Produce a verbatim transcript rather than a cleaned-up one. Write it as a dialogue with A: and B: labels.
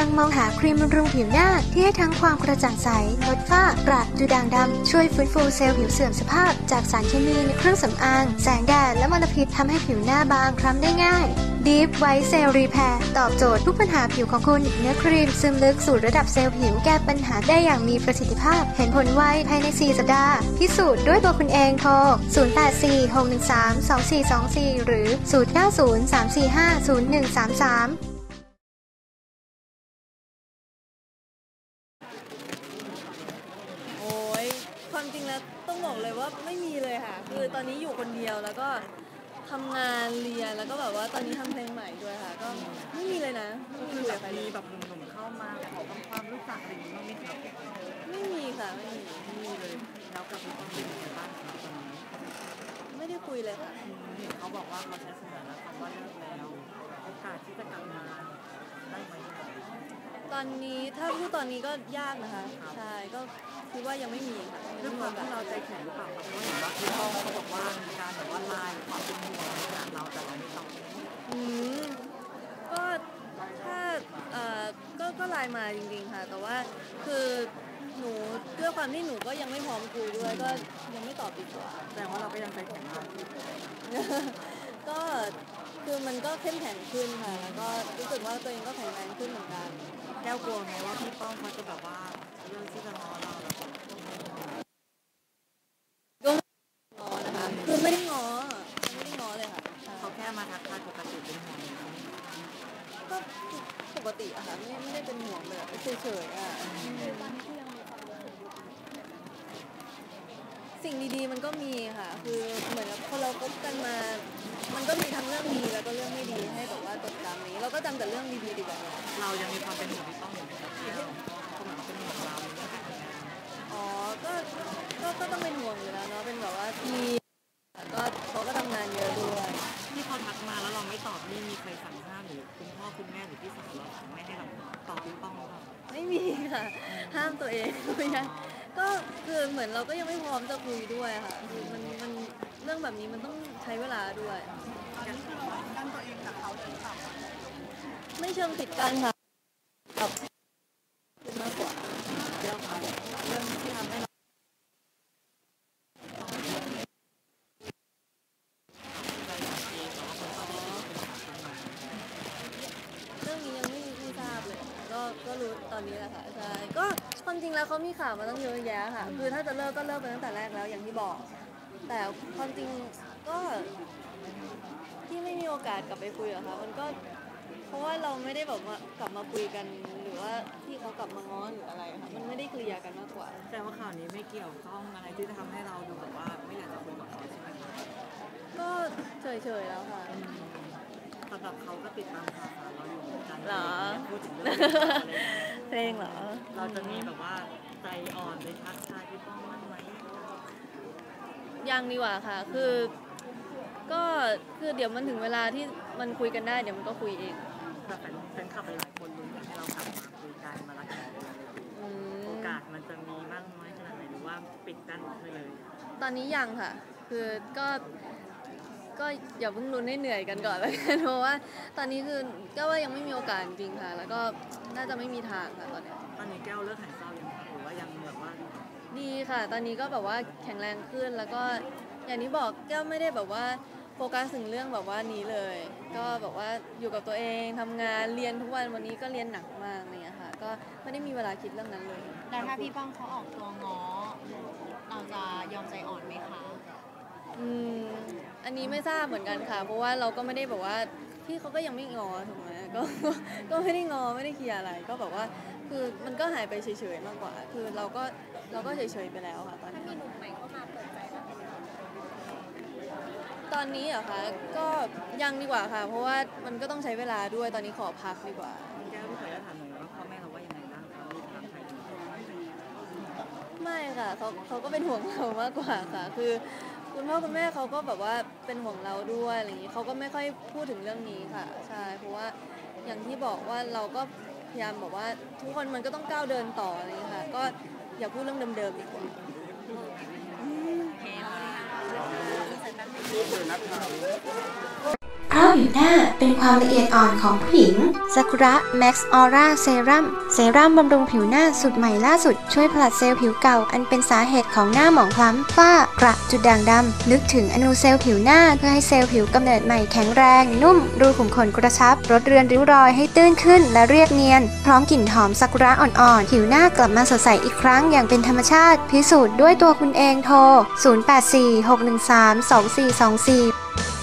A: งมองหาครีมบำรุงผิวหน้าที่ให้ทั้งความกระจ่างใสลดฝ้ากระดูด่างดำช่วยฟื้นฟูเซลล์ผิวเสื่อมสภาพจากสารเคมีในเครื่องสำอางแสงแดดและมลพิษทำให้ผิวหน้าบางคล้ำได้ง่าย Deep White Cell Repair ตอบโจทย์ทุกปัญหาผิวของคุณเนื้อครีมซึมลึกสู่ระดับเซลล์ผิวแก้ปัญหาได้อย่างมีประสิทธิภาพเห็นผลไวภายในสี่สัปดาห์พิสูจน์ด้วยตัวคุณเองโทรศูนย์ แปด สี่ หก หนึ่ง สาม สอง สี่ สอง สี่หรือศูนย์ เก้า ศูนย์ สาม สี่ ห้า ศูนย์ หนึ่ง สาม สาม
B: ความจริงแล้วต้องบอกเลยว่าไม่มีเลยค่ะคือตอนนี้อยู่คนเดียวแล้วก็ทำงานเรียนแล้วก็แบบว่าตอนนี้ทำเพลงใหม่ด้วยค่ะก็ไม่มีเลยนะ
C: ก็คือแบบมีแบบหนุ่มๆเข้ามาขอความรู้จักอะไรอย่างนี้บ้างไหมครับ
B: ไม่มีค่ะไม่มี
C: ไม่มีเลยแล้วกับพี่ต้องเป็นยังไงบ้างครับตอนนี้
B: ไม่ได้คุยเลยค่ะ
C: เห็นเขาบอกว่าเขาใช้สถานะคำว่าเลิกแล้วโอกาสที่จะกลับมาได้ไหม
B: ตอนนี้ถ้าพูดตอนนี้ก็ยากนะคะใช่ก็คิดว่ายังไม่มีค่ะ
C: ด้วยความที่เราใจแข็งหรือเปล่าครับเพราะเห็นว่าพี่ต้องเขาบอกว่ามีการแบบว่าไลน์ความเป็นห่วงในขณะเราแต่เราไม่ต้อง
B: อืมก็ถ้าเอ่อก็ก็ไลน์มาจริงๆค่ะแต่ว่าคือหนูด้วยความที่หนูก็ยังไม่พร้อมคุยด้วยก็ยังไม่ตอบดีกว่า
C: แต่ว่าเราก็ยังใจแข็งมาก
B: ก็คือมันก็เข้มแข็งขึ้นค่ะแล้วก็รู้สึกว่าตัวเองก็แข็งแรงขึ้นเหมือนกัน
C: แก้วกลัวไหมว่าพี่ป้องเขาจะแบบว่าเรื่องที่จะง้อเราแล้ว
B: ก็ง้อนะคะคือไม่ได้ง้อไม่ได้ง้อเลยค่ะ
C: เขาแค่มาทักทายปกติเป็นห่วง
B: ก็ปกติอะค่ะไม่ไม่ได้เป็นห่วงเลยเฉยๆอะสิ่งดีๆมันก็มีค่ะคือเหมือนพอเราคบกันมามันก็มีทั้งเรื่องดีแล้วก็เรื่องไม่ดีให้แบบว่าจดจำนี้เราก็จำแต่เรื่องดีๆดีกว่า
C: เรายังมีความเป็นห่วงที่ต้องอยู่ในกับเที่ยวเขาเหมือนเป็นห่วงเรา
B: อ๋อก็ก็ก็ต้องเป็นห่วงอยู่แล้วเนาะเป็นแบบว่าทีก็เขาก็ทำงานเยอะด้วย
C: ที่เขาทักมาแล้วเราไม่ตอบนี่มีใครสั่งห้ามหรือคุณพ่อคุณแม่หรือพี่สาวเราไม่ให้เราตอบพี่ป้องหรือเปล่า
B: ไม่มีค่ะห้ามตัวเองไม่ใช่ก็คือเหมือนเราก็ยังไม่พร้อมจะคุยด้วยค่ะคือมันมันเรื่องแบบนี้มันต้องใช้เวลาด้วย
C: การที่เรากั้นตัวเองกับเขาจะท
B: ำไม่เชิงปิดกั้นค่ะแบบมากกว่า
C: เรื่องเรื่องที่ทำให้เรา
B: เรื่องนี้ยังไม่ไม่ทราบเลยก็ก็รู้ตอนนี้แหละค่ะใช่ก็ความจริงแล้วเขามีข่าวมาตั้งเยอะแยะค่ะคือถ้าจะเลิกก็เลิกไปตั้งแต่แรกแล้วอย่างที่บอกแต่ความจริงก็ที่ไม่มีโอกาสกลับไปคุยอะค่ะมันก็เพราะว่าเราไม่ได้แบบว่ากลับมาคุยกันหรือว่าที่เขากลับมาง้อหรืออะไรค่ะมันไม่ได้เคลียร์กันมากกว่า
C: แต่ว่าข่าวนี้ไม่เกี่ยวข้องอะไรที่จะทำให้เราดูแบบว่าไม่อยากจะคุยกับเขาใช่ไหมคะ
B: ก็เฉยๆแล้วค่ะ
C: สำหรับเขาก็ติดตามข่าวสารเราอยู่เหมือนกัน
B: เหรอ
C: พูดถึงเรื่อง
B: เพลงเหรอ
C: เราจะมีแบบว่าใจอ่อนไปทักทายพี่ป้องบ้างไหม
B: ยังดีกว่าค่ะคือก็คือเดี๋ยวมันถึงเวลาที่มันคุยกันได้เดี๋ยวมันก็คุยเอง
C: แต่เป็นเป็นขับหลายคนลุ้นอยากให้เรากลับมาคุยกันมารักกันโอกาสมันจะมีบ้างน้อยขนาดไหนหรือว่าปิดกั้นไปเลย
B: ตอนนี้ยังค่ะคือก็ก็อย่าเพิ่งลุ้นให้เหนื่อยกันก่อนแล้วกันเพราะว่าตอนนี้คือก็ว่ายังไม่มีโอกาสจริงค่ะแล้วก็น่าจะไม่มีทางค่ะตอนนี้
C: ตอนนี้แก้วเลิกหายเศร้ายังหรือว่ายังแบบว่า
B: ดีค่ะตอนนี้ก็แบบว่าแข็งแรงขึ้นแล้วก็อย่างที่บอกแก้วไม่ได้แบบว่าโฟกัสถึงเรื่องแบบว่านี้เลยก็แบบว่าอยู่กับตัวเองทำงานเรียนทุกวันวันนี้ก็เรียนหนักมากเนี่ยค่ะก็ไม่ได้มีเวลาคิดเรื่องนั้นเลย
D: แล้วถ้าพี่ป้องเขาออกตัวง้อเราจะยอมใจอ่อนไหมคะ
B: อืมอันนี้ไม่ทราบเหมือนกันค่ะเพราะว่าเราก็ไม่ได้แบบว่าพี่เขาก็ยังไม่งอถูกไหมก็ก็ไม่ได้งอไม่ได้เคลียร์อะไรก็แบบว่าคือมันก็หายไปเฉยๆมากกว่าคือเราก็เราก็เฉยๆไปแล้วค่ะตอนนี้
D: มีหนุ่มใหม่เข้ามาเปิดใจแล้ว
B: ตอนนี้เหรอคะก็ยังดีกว่าค่ะเพราะว่ามันก็ต้องใช้เวลาด้วยตอนนี้ขอพักดีกว่า
C: แก้วพี่ขอจะถามหน่อยว่าพ่อแม่เราว่ายังไงบ้างคะลูกทางใคร
B: ไม่ค่ะเขาเขาก็เป็นห่วงเรามากกว่าค่ะคือคุณพ่อคุณแม่เขาก็แบบว่าเป็นห่วงเราด้วยอะไรอย่างนี้เขาก็ไม่ค่อยพูดถึงเรื่องนี้ค่ะใช่เพราะว่าอย่างที่บอกว่าเราก็พยายามบอกว่าทุกคนมันก็ต้องก้าวเดินต่ออะไรอย่างนี้ค่ะก็อย่าพูดเรื่องเดิมๆดีกว่า
A: เพราะผิวหน้าเป็นความละเอียดอ่อนของผู้หญิงซากุระแม็กซ์ออร่าเซรั่มเซรั่มบำรุงผิวหน้าสูตรใหม่ล่าสุดช่วยผลัดเซลล์ผิวเก่าอันเป็นสาเหตุของหน้าหมองคล้ำฝ้ากระจุดด่างดำลึกถึงอนูเซลล์ผิวหน้าเพื่อให้เซลล์ผิวกำเนิดใหม่แข็งแรงนุ่มรูขุมขนกระชับลดเรือนริ้วรอยให้ตื้นขึ้นและเรียบเนียนพร้อมกลิ่นหอมซากุระอ่อนๆผิวหน้ากลับมาสดใสอีกครั้งอย่างเป็นธรรมชาติพิสูจน์ด้วยตัวคุณเองโทรศูนย์ แปด สี่ หก หนึ่ง สาม สอง สี่ สอง สี่